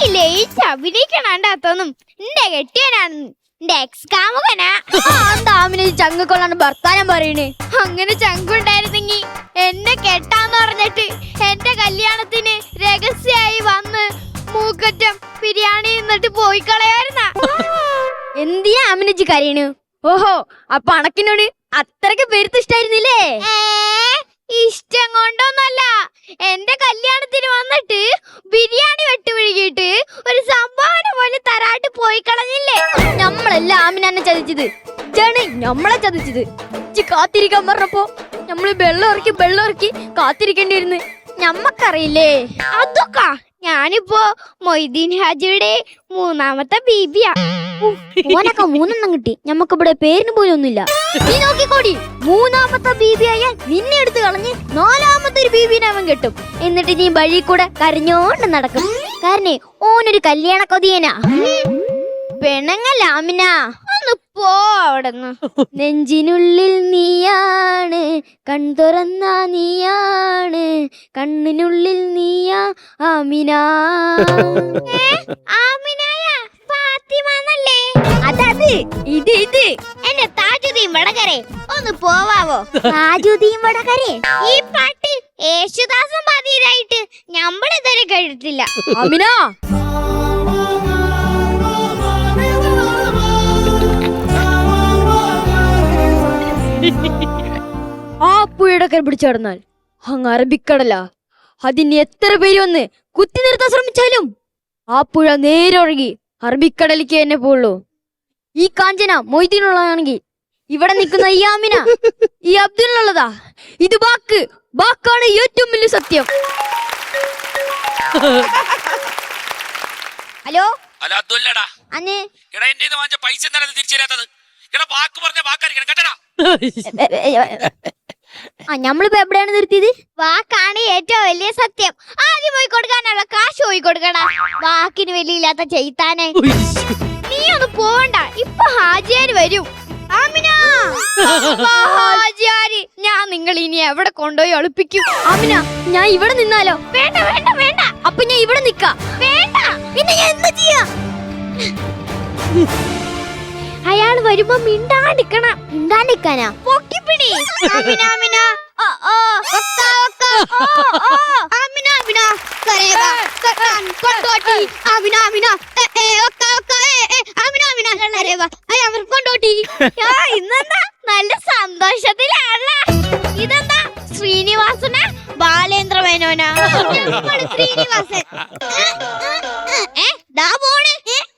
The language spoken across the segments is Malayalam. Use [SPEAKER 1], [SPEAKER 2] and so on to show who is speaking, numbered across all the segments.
[SPEAKER 1] ലയിച്ച് അഭിനയിക്കണാണ്ടാത്തൊന്നും എന്റെ കെട്ടിയനാണെന്ന് എന്റെ എക്സ് കാമുകനാ.
[SPEAKER 2] ആമിന ചങ്ങക്കൊള്ളാണ് ഭർത്താനം പറയണേ.
[SPEAKER 1] അങ്ങനെ ചങ്കുണ്ടായിരുന്നെങ്കി എന്നെ കെട്ടാന്ന് പറഞ്ഞിട്ട് എന്റെ കല്യാണത്തിന് രഹസ്യമായി വന്ന് മൂക്കറ്റം ബിരിയാണി എന്നിട്ട് പോയി കളയായിരുന്ന.
[SPEAKER 2] എന്തിയാ ആമിനജി കരയണു? ഓഹോ, അപ്പൊ അണക്കിനോട് അത്രക്ക് പേരുത്ത് ഇഷ്ടായിരുന്നില്ലേ?
[SPEAKER 1] ഇഷ്ടം കൊണ്ടൊന്നല്ല, എന്റെ കല്യാണത്തിന് വന്നിട്ട് ബിരിയാണി വെട്ടുപിഴുകിയിട്ട് ഒരു സംഭാവന പോലെ തരാട്ട് പോയി കളഞ്ഞില്ലേ.
[SPEAKER 2] നമ്മളല്ല ആമിനെ ചതിച്ചത്, നമ്മളെ ചതിച്ചത്. കാത്തിരിക്കാൻ പറഞ്ഞപ്പോ നമ്മള് വെള്ളം ഇറക്കി കാത്തിരിക്കേണ്ടി വരുന്നു. ഞമ്മക്കറിയില്ലേ
[SPEAKER 1] അതൊക്കെ. ഞാനിപ്പോ മൊയ്തീൻ ഹാജിയുടെ 3ാമത്തെ ബീബിയാ.
[SPEAKER 2] ഓനൊക്കെ 3 കിട്ടി, ഞമ്മക്ക് ഇവിടെ പേരിന് പോലും ഒന്നുമില്ല. നീ നോക്കിക്കോടി, 3ാമത്തെ ബീബിയായ നിന്നെ എടുത്ത് കളഞ്ഞ് 4ാമത്തെ ഒരു ബീബിനെ അവൻ കെട്ടും. എന്നിട്ട് നീ വഴി കൂടെ കരഞ്ഞോണ്ട് നടക്കും. കാരണം ഓനൊരു കല്യാണ കൊതിയനാ. പെണങ്ങല്ല ആമിന,
[SPEAKER 1] ഒന്ന് പോ അവിടെന്ന്.
[SPEAKER 2] നെഞ്ചിനുള്ളിൽ നീയാണ്, കൺതുറന്ന നീയാണ്, കണ്ണിനുള്ളിൽ നീയാ ആമിന.
[SPEAKER 1] ആമിനായ ഫാത്തിമന്നല്ലേ?
[SPEAKER 2] അതത് ഇത്
[SPEAKER 1] എന്റെ താജുദ്ദീൻ വടകരെ, ഒന്ന് പോവാവോ?
[SPEAKER 2] താജുദ്ദീൻ വടകരെ?
[SPEAKER 1] ഈ പാട്ട് യേശുദാസും പാടിയതായിട്ട് നമ്മളിതുവരെ കേട്ടിട്ടില്ല.
[SPEAKER 2] ആമിന, ആ പുഴയുടെ പിടിച്ചു കടന്നാൽ അങ്ങ് അറബിക്കടല. അതിന് എത്ര പേര് വന്ന് കുത്തി നിർത്താൻ ശ്രമിച്ചാലും ആ പുഴ നേരെ ഒഴുകി അറബിക്കടലിക്ക് തന്നെ പോവുള്ളൂ. ഈ കാഞ്ചന മൊയ്തീനുള്ളതാണെങ്കിൽ ഇവിടെ നിൽക്കുന്ന ഈ ആമിന ഈ അബ്ദുള്ളതാ. ഇത് വാക്കാണ് ഏറ്റവും വലിയ സത്യം. ഹലോ അന്ന്
[SPEAKER 3] പൈസ തിരിച്ചു തരാത്തത്
[SPEAKER 2] നമ്മളിപ്പോ എവിടെയാണ് നിർത്തിയത്?
[SPEAKER 1] വാക്കാണ് ഏറ്റവും വലിയ സത്യം. ആദ്യം പോയി കൊടുക്കാനുള്ള കാശ് പോയി കൊടുക്കണ. വാക്കിന് വലിയില്ലാത്ത ചെയ്താനെ. നീ ഒന്ന് പോവണ്ട, ഇപ്പൊ ഹാജിയാര് വരും. ആമിന, ഹാജിയാര്, ഞാൻ നിങ്ങൾ ഇനി എവിടെ കൊണ്ടുപോയി ഒളിപ്പിക്കും?
[SPEAKER 2] ആമിന, ഞാൻ ഇവിടെ നിന്നാലോ?
[SPEAKER 1] വേണ്ട വേണ്ട വേണ്ട.
[SPEAKER 2] അപ്പൊ ഞാൻ ഇവിടെ നിക്കാം.
[SPEAKER 1] വേണ്ട.
[SPEAKER 2] പിന്നെ ഞാൻ എന്താ ചെയ്യാ?
[SPEAKER 1] അയാൾ വരുമ്പോ മിണ്ടാണ്ടിക്കണം.
[SPEAKER 2] മിണ്ടാണ്ടിരിക്കാനാ?
[SPEAKER 1] പൊക്കിപ്പിടി. ആമിന ആമിന, ഓ ഓ ഒക്ക ഒക്ക, ഓ ഓ ആമിന ആമിന, കരേവ കട്ടാൻ കൊണ്ടോട്ടി. ആമിന ആമിന, ഒക്ക ഒക്ക, ആമിന ആമിന, കരേവ അയാൾ കൊണ്ടോട്ടി. ഇന്നെന്താ നല്ല സന്തോഷത്തിലാണല്ല. ഇതെന്താ ശ്രീനിവാസന ബാലേന്ദ്ര മേനോനാ? ശ്രീനിവാസൻ ദാ പോണ്.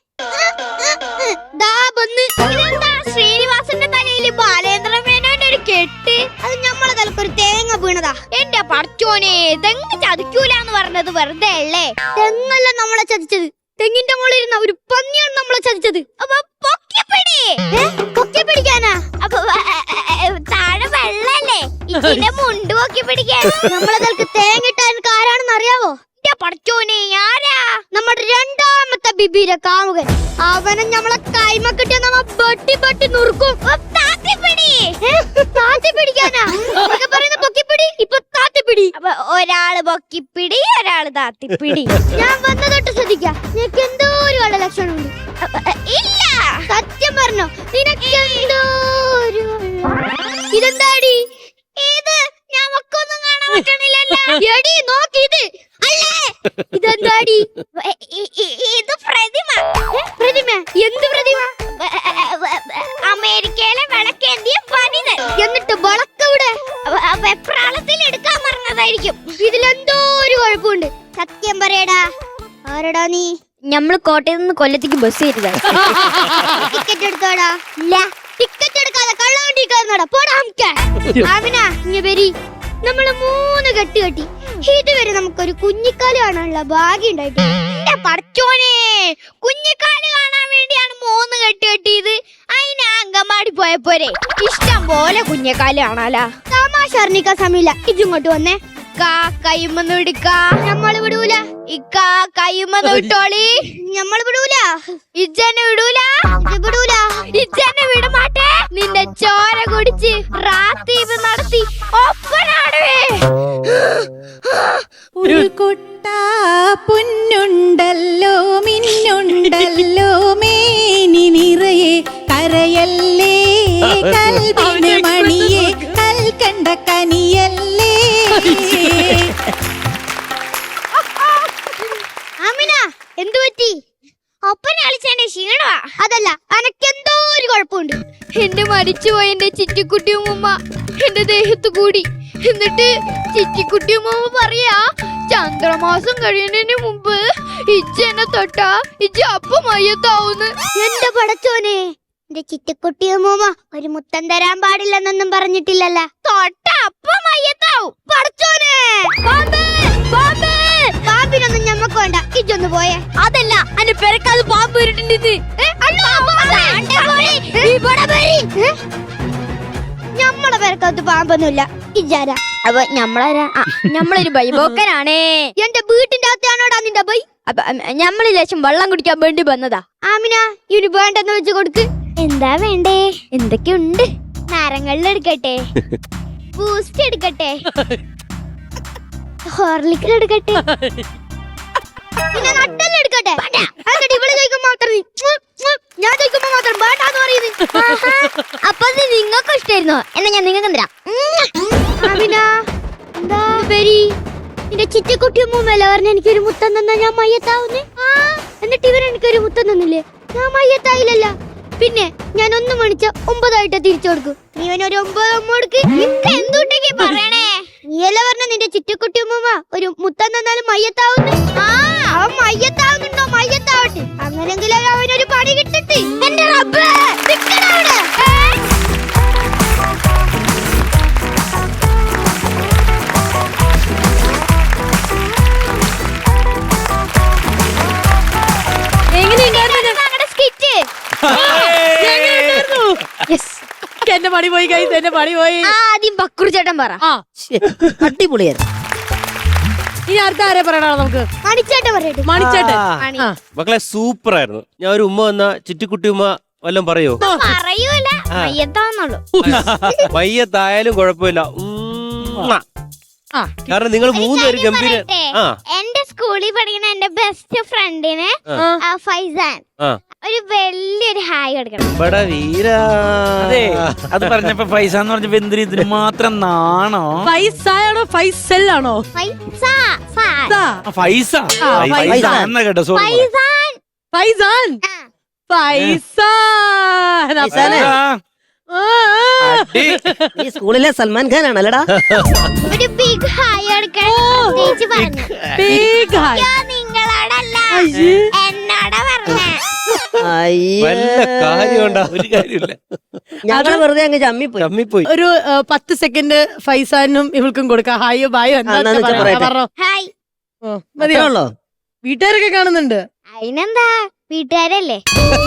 [SPEAKER 1] ഇതെന്താ ശ്രീനിവാസന്റെ തലയില് ബാലേന്ദ്ര മേനോന്റെ ഒരു കെട്ട്? അത് നമ്മളെ തലക്കൊരു തേങ്ങ വീണതാ. എന്റെ പടച്ചോനെ, തെങ്ങ് ചതിക്കൂലെന്ന് പറഞ്ഞത് വെറുതെ അല്ലേ?
[SPEAKER 2] തെങ്ങല്ല നമ്മളെ ചതിച്ചത്, തെങ്ങിന്റെ മുകളിൽ ഇരുന്ന ഒരു പന്നിയാണ് നമ്മളെ ചതിച്ചത്.
[SPEAKER 1] അപ്പൊ പൊക്കിപ്പിടി.
[SPEAKER 2] പിടിക്കാനാ?
[SPEAKER 1] അപ്പൊ താഴെ വെള്ളല്ലേ, ഇതിന്റെ മുണ്ട് പൊക്കി പിടിക്കാൻ.
[SPEAKER 2] നമ്മളെ തലക്ക് തേങ്ങ ഇട്ടാൻ ആരാണെന്ന് അറിയാവോ?
[SPEAKER 1] എന്റെ പടച്ചോനെ, ആരാ?
[SPEAKER 2] നമ്മുടെ 2ാമത്തെ ബിബിയുടെ കാമുകൻ. അവനെ നമ്മളെ കൈമക്കിട്ട് നമ്മ ബട്ടി നുറുക്കും. പിടിക്കാനാ പറയുന്ന? പൊക്കിപ്പിടി. ഇപ്പൊ താത്തിപ്പിടി.
[SPEAKER 1] അപ്പൊ ഒരാള് പൊക്കിപ്പിടി, ഒരാള് താത്തിപ്പിടി.
[SPEAKER 2] ഞാൻ വന്ന തൊട്ട് ശ്രദ്ധിക്കാം, നിനക്ക് എന്തോ ഒരു കള്ള ലക്ഷണമുണ്ട്.
[SPEAKER 1] ഇല്ല,
[SPEAKER 2] സത്യം പറഞ്ഞോ? നിനക്ക് എന്തോ ഒരു... ഇതെന്താടി?
[SPEAKER 1] ഇത് ഞമ്മക്കൊന്നും കാണാൻ പറ്റണില്ലല്ലോ.
[SPEAKER 2] എടി നോക്കി, ഇത് അല്ലേ? ഇതെന്താടി?
[SPEAKER 1] ഇത് പ്രതിമ.
[SPEAKER 2] പ്രതിമ? എന്ത് പ്രതിമ?
[SPEAKER 1] അമേരിക്കയിലെ വിളക്കേന്തിയ പണിതൻ.
[SPEAKER 2] എന്നിട്ട് വിളക്കവിടെ
[SPEAKER 1] വെപ്രാളത്തിൽ എടുക്കാൻ പറഞ്ഞതായിരിക്കും.
[SPEAKER 2] ഇതിലെന്തോ ഒരു കുഴപ്പമുണ്ട്. സത്യം പറയടാ, ആരടാ നീ? ഞമ്മള് കോട്ടയത്ത് നിന്ന് കൊല്ലത്തേക്ക് ബസ് കയറ്റിയതാ. ടിക്കറ്റ് എടുത്തോടാ? ഇല്ല. ടിക്കറ്റ് എടുക്കാതെ കള്ളവണ്ടി കയറുന്നോടാ, പോടാ. ആമിന, ഇങ്ങ വരി. നമ്മള് 3 കെട്ട് കെട്ടി. ഇതുവരെ നമുക്കൊരു കുഞ്ഞിക്കാല് കാണാനുള്ള ഭാഗ്യം ഉണ്ടായിട്ട്.
[SPEAKER 1] എന്റെ പടച്ചോനെ, കുഞ്ഞിക്കാല് കാണാൻ വേണ്ടിയാണ് 3 കെട്ട് കെട്ടിയത്. അതിന് അങ്കമാടി പോയപ്പോരെ ഇഷ്ടം പോലെ കുഞ്ഞിക്കാല് കാണാലാ.
[SPEAKER 2] തമാശ അറിഞ്ഞിക്കാൻ സമയമില്ല. ഇജിങ്ങോട്ട് വന്നേ.
[SPEAKER 1] കയ്യുമെന്ന് വിടുക്ക.
[SPEAKER 2] നമ്മള് വിടൂല.
[SPEAKER 1] കയ്യുമെന്ന് വിട്ടോളി.
[SPEAKER 2] നമ്മള് വിടൂല.
[SPEAKER 1] ഇജ്ജനെ വിടൂല.
[SPEAKER 2] വിടൂല.
[SPEAKER 1] ഇജ്ജനെ വിടമാട്ടെ. നിന്റെ ചോര കുടിച്ച് റാത്തീപ് നടത്തി ഒപ്പനാടുവേ.
[SPEAKER 4] ഒരു കൊട്ട പൊന്നുണ്ടല്ലോ മിന്നുണ്ടല്ലോ മേനി നിറയെ കരയല്ലേ കൽവിന് മണിയെ കൽക്കണ്ട കനിയല്ലേ.
[SPEAKER 1] ആമിന എന്തു പറ്റി? ഒപ്പന കളിച്ചെന്റെ ക്ഷീണമാ. അതല്ല, അനക്കെന്തോ ഒരു കുഴപ്പമുണ്ട്. എന്റെ മരിച്ചുപോയ എന്റെ ചിറ്റിക്കുട്ടിയുമ്മ എന്റെ ദേഹത്ത് കൂടി. എന്നിട്ട് ചിറ്റിക്കുട്ടിയുമ്മ പറയാ, ചന്ദ്രമാസം കഴിയുന്നതിന് മുമ്പ് ഇജ്ജ് എന്നെ തൊട്ടാ ഇജ്ജ് അപ്പം മയ്യത്താവുന്ന്. എന്റെ പടച്ചോനെ, എന്റെ ചിറ്റിക്കുട്ടിയമ്മൂമ്മ ഒരു മുത്തം തരാൻ പാടില്ലെന്നൊന്നും പറഞ്ഞിട്ടില്ലല്ല. തൊട്ട അപ്പം മയ്യത്താവും. പടച്ചോനെ, പാമ്പിനൊന്നും ഞമ്മക്ക് വേണ്ട, ഇജ്ജൊന്ന് പോയേ. അതല്ല, എന്റെ പെരക്കാത് പാമ്പ് വരിട്ടുണ്ട്. ഞമ്മളെ പെരക്കകത്ത് പാമ്പൊന്നുമില്ല. ഇജാര
[SPEAKER 2] അപ്പൊ ഞമ്മളാരാ? ഞമ്മളൊരു ബൈബോക്കനാണേ.
[SPEAKER 1] എന്റെ വീട്ടിന്റെ അകത്താണോടാ നിന്റെ ബൈ?
[SPEAKER 2] അപ്പൊ ഞമ്മള് ലേശം വെള്ളം കുടിക്കാൻ വേണ്ടി വന്നതാ.
[SPEAKER 1] ആമിന, ഇവന് വേണ്ടെന്ന് വെച്ച് കൊടുക്ക്. എന്താ വേണ്ടേ?
[SPEAKER 2] എന്തൊക്കെയുണ്ട്?
[SPEAKER 1] നാരങ്ങളിൽ എടുക്കട്ടെ, ബൂസ്റ്റ് എടുക്കട്ടെ, ഹോർലിക്സ് എടുക്കട്ടെ, പിന്നെ നട്ടെല്ലാം എടുക്കട്ടെ. എന്നിട്ട് ഇവള് ചോദിക്കുമ്പോ മാത്രം ഞാൻ ചോദിക്കുമ്പോ മാത്രം വേണ്ടാന്ന് പറയുന്നത്.
[SPEAKER 2] അപ്പൊ അത് നിങ്ങൾക്ക് ഇഷ്ടായിരുന്നോ? എന്നാ ഞാൻ നിങ്ങൾക്ക് തരാം.
[SPEAKER 1] ആമിന, എന്താ വരി? നിന്റെ ചിറ്റിക്കുട്ടിയമ്മൂമ്മല്ല പറഞ്ഞ എനിക്കൊരു മുത്തം തന്നാ ഞാൻ മയ്യത്താവുന്നേ. എന്നിട്ട് ഇവൻ എനിക്കൊരു മുത്തം തന്നില്ലേ? ഞാൻ മയ്യത്തായില്ലല്ല. പിന്നെ ഞാൻ 1 മണിച്ച 9 തിരിച്ചു കൊടുക്കും. നീ ഒരു 9 കൊടുക്ക്. എന്തുണ്ടെങ്കിൽ പറയണേ. നീയല്ല പറഞ്ഞ നിന്റെ ചിറ്റിക്കുട്ടിയമ്മൂമ്മ ഒരു മുത്തം തന്നാലും മയ്യത്താവുന്നു. അവൻ മയ്യത്താവുന്നുണ്ടോ? മയ്യത്താവട്ടെ. അങ്ങനെങ്കിലും അവനൊരു പണി കിട്ടട്ടെ. എന്റെ റബ്ബേ, നിക്കടാ അവിടെ.
[SPEAKER 4] എന്റെ പണി പോയി കൈ, എന്റെ പണി പോയി.
[SPEAKER 2] ആദ്യം ബക്കുറി ചേട്ടൻ പറ.
[SPEAKER 5] അടിപൊളിയായിരുന്നു.
[SPEAKER 4] ഇനി അടുത്ത ആരെ പറയണോ നമുക്ക്?
[SPEAKER 1] മണിച്ചേട്ടൻ പറയട്ടെ.
[SPEAKER 4] മണിച്ചേട്ടൻ.
[SPEAKER 6] മക്കളെ സൂപ്പർ ആയിരുന്നു. ഞാൻ ഒരു ഉമ്മ വന്ന ചിറ്റിക്കുട്ടി ഉമ്മ വല്ലതും പറയോ?
[SPEAKER 1] പറയൂല, മയ്യത്താവുന്നുള്ളൂ.
[SPEAKER 6] മയ്യത്തായാലും കുഴപ്പമില്ല. കാരണം നിങ്ങൾ 3 പേര് ഗംഭീര.
[SPEAKER 1] എന്റെ സ്കൂളിൽ പഠിക്കുന്ന എന്റെ ബെസ്റ്റ് ഫ്രണ്ടിന് ഫൈസാൻ ഒരു വലിയൊരു ഹായ് കൊടുക്കണം.
[SPEAKER 6] ഇവിടെ വീര.
[SPEAKER 3] അതെ, അത് പറഞ്ഞപ്പോ പൈസ എന്ന് പറഞ്ഞപ്പോ എന്തിനു ഇതിന് മാത്രം നാണോ?
[SPEAKER 4] ഫൈസാണോ ഫൈസലാണോ?
[SPEAKER 3] പൈസ എന്നാ കേട്ടോ. സോറി.
[SPEAKER 1] ഫൈസാൻ
[SPEAKER 4] ഫൈസാൻ ഫൈസാൻ.
[SPEAKER 5] ഈ സ്കൂളിലെ സൽമാൻ ഖാൻ ആണല്ലടാ.
[SPEAKER 1] ഒരു ബിഗ് ഹായ് കൊടുക്കണം ചേച്ചി പറഞ്ഞു. നിങ്ങളോടല്ല, എന്നോടാ പറഞ്ഞേ.
[SPEAKER 6] വല്ല കാര്യമുണ്ടാ? ഒരു കാര്യമില്ല.
[SPEAKER 5] ഞങ്ങൾ വെറുതെ അങ്ങ് ചമ്മിപ്പോയി.
[SPEAKER 4] ഒരു 10 സെക്കൻഡ് ഫൈസാനും ഇവൾക്കും കൊടുക്കാം. ഹായോ ബായോ എന്താ?
[SPEAKER 1] ഹായ്.
[SPEAKER 5] മതിയാണല്ലോ.
[SPEAKER 4] വീട്ടുകാരൊക്കെ കാണുന്നുണ്ട്.
[SPEAKER 1] അതിനെന്താ, വീട്ടുകാരല്ലേ.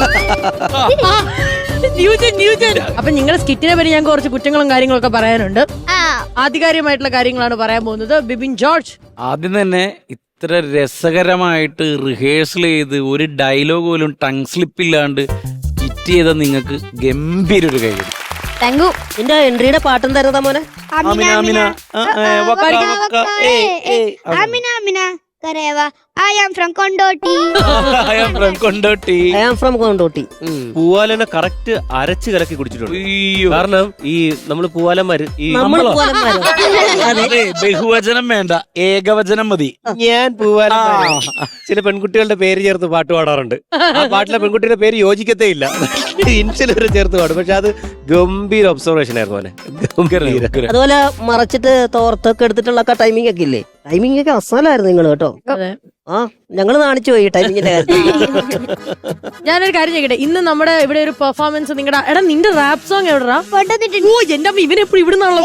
[SPEAKER 4] അപ്പൊ നിങ്ങളുടെ സ്കിറ്റിനെ പറ്റി ഞാൻ കുറച്ച് കുറ്റങ്ങളും കാര്യങ്ങളൊക്കെ പറയാനുണ്ട്. ആധികാരികമായിട്ടുള്ള കാര്യങ്ങളാണ് പറയാൻ പോകുന്നത്. ബിബിൻ ജോർജ്,
[SPEAKER 3] ആദ്യം തന്നെ ഇത്ര രസകരമായിട്ട് റിഹേഴ്സൽ ചെയ്ത് ഒരു ഡയലോഗ് പോലും ടങ് സ്ലിപ്പ് ഇല്ലാണ്ട് സ്കിറ്റ് ചെയ്ത നിങ്ങൾക്ക് ഗംഭീര ഒരു കൈ.
[SPEAKER 2] Thank you.
[SPEAKER 5] നിന്റെ എൻട്രിയുടെ പാട്ടും തരുന്നതാ മോനെ.
[SPEAKER 1] ആമിന കരേവ. I am from Kondotty.
[SPEAKER 5] I am from Kondotty.
[SPEAKER 6] പൂവാലനെ കറക്റ്റ് അരച്ച് കലക്കി കുടിച്ചിട്ടുണ്ട്. കാരണം ഈ നമ്മള് പൂവാലന്മാര്
[SPEAKER 3] ബഹുവചനം വേണ്ട, ഏകവചനം മതി.
[SPEAKER 6] ഞാൻ പൂവാലന്മാര് ചില പെൺകുട്ടികളുടെ പേര് ചേർത്ത് പാട്ട് പാടാറുണ്ട്. ആ പാട്ടിലെ പെൺകുട്ടിയുടെ പേര് യോജിക്കത്തേ ഇല്ല. ഇൻഷ്യൽ വരെ ചേർത്ത് പാടും. പക്ഷെ അത് ഗംഭീര ഒബ്സർവേഷൻ ആയിരുന്നു മോനെ.
[SPEAKER 5] അതുപോലെ മറച്ചിട്ട് തോർത്തൊക്കെ എടുത്തിട്ടുള്ള ടൈമിംഗ് ഒക്കെ ഇല്ലേ? ടൈമിംഗ് ഒക്കെ അസലായിരുന്നു നിങ്ങൾ കേട്ടോ. ഞങ്ങള് നാണിച്ചു പോയി ടൈമിങ്ങിന്റെ കാര്യത്തിൽ.
[SPEAKER 4] ഞാനൊരു കാര്യം ചെയ്യട്ടെ. ഇന്ന് നമ്മുടെ ഇവിടെ ഒരു പെർഫോമൻസ് നിങ്ങളുടെ എടാ നിന്റെ റാപ്പ് സോങ് എവിടാ? ഓ എന്റെ അമ്മ ഇവനെപ്പോഴും ഇവിടുന്നാണല്ലോ.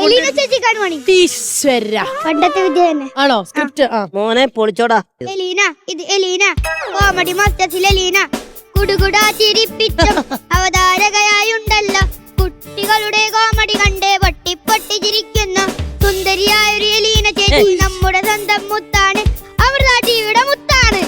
[SPEAKER 1] പണ്ടത്തെ വിദ്യ തന്നെ
[SPEAKER 4] ആണോ സ്ക്രിപ്റ്റ്?
[SPEAKER 5] മോനെ പൊളിച്ചോടാ.
[SPEAKER 1] എലീന, ഇത് എലീന, കോമഡി മാസ്റ്റേഴ്സിൽ എലീന കുടുകുടാ ചിരിപ്പിച്ച അവതാരകയായുണ്ടല്ലോ. കുട്ടികളുടെ കോമഡി കണ്ട് പൊട്ടി പൊട്ടി ചിരിക്കുന്ന സുന്ദരിയായ ഒരു എലീന ചേച്ചി നമ്മുടെ സ്വന്തം മുത്താണ്. അവർ ടിവിയുടെ മുത്താണ്.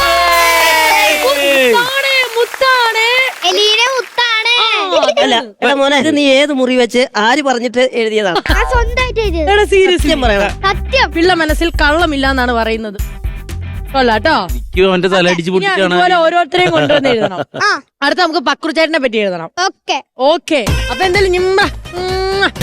[SPEAKER 1] എലീന മുത്താണ്.
[SPEAKER 5] അല്ല എടാ മോനെ, ഇത് നീ ഏത് മുറി വെച്ച് ആര് പറഞ്ഞിട്ട് എഴുതിയതാണ്?
[SPEAKER 1] സ്വന്തമായിട്ട്
[SPEAKER 4] സീരിയസ്
[SPEAKER 5] പറയണ
[SPEAKER 1] സത്യം.
[SPEAKER 4] പിള്ള മനസ്സിൽ കള്ളമില്ല എന്നാണ് പറയുന്നത്. കൊള്ളാട്ടോ.
[SPEAKER 3] എനിക്കും അവന്റെ തല അടിച്ച്
[SPEAKER 4] ഇനി
[SPEAKER 3] പൊട്ടിച്ചാണ്.
[SPEAKER 4] ഇതുപോലെ ഓരോരുത്തരെയും കൊണ്ടുവന്ന് എഴുതണം.
[SPEAKER 1] ആ
[SPEAKER 4] അടുത്ത നമുക്ക് പക്രു ചേട്ടനെ പറ്റി എഴുതണം.
[SPEAKER 1] ഓക്കെ
[SPEAKER 4] ഓക്കെ, അപ്പൊ എന്തായാലും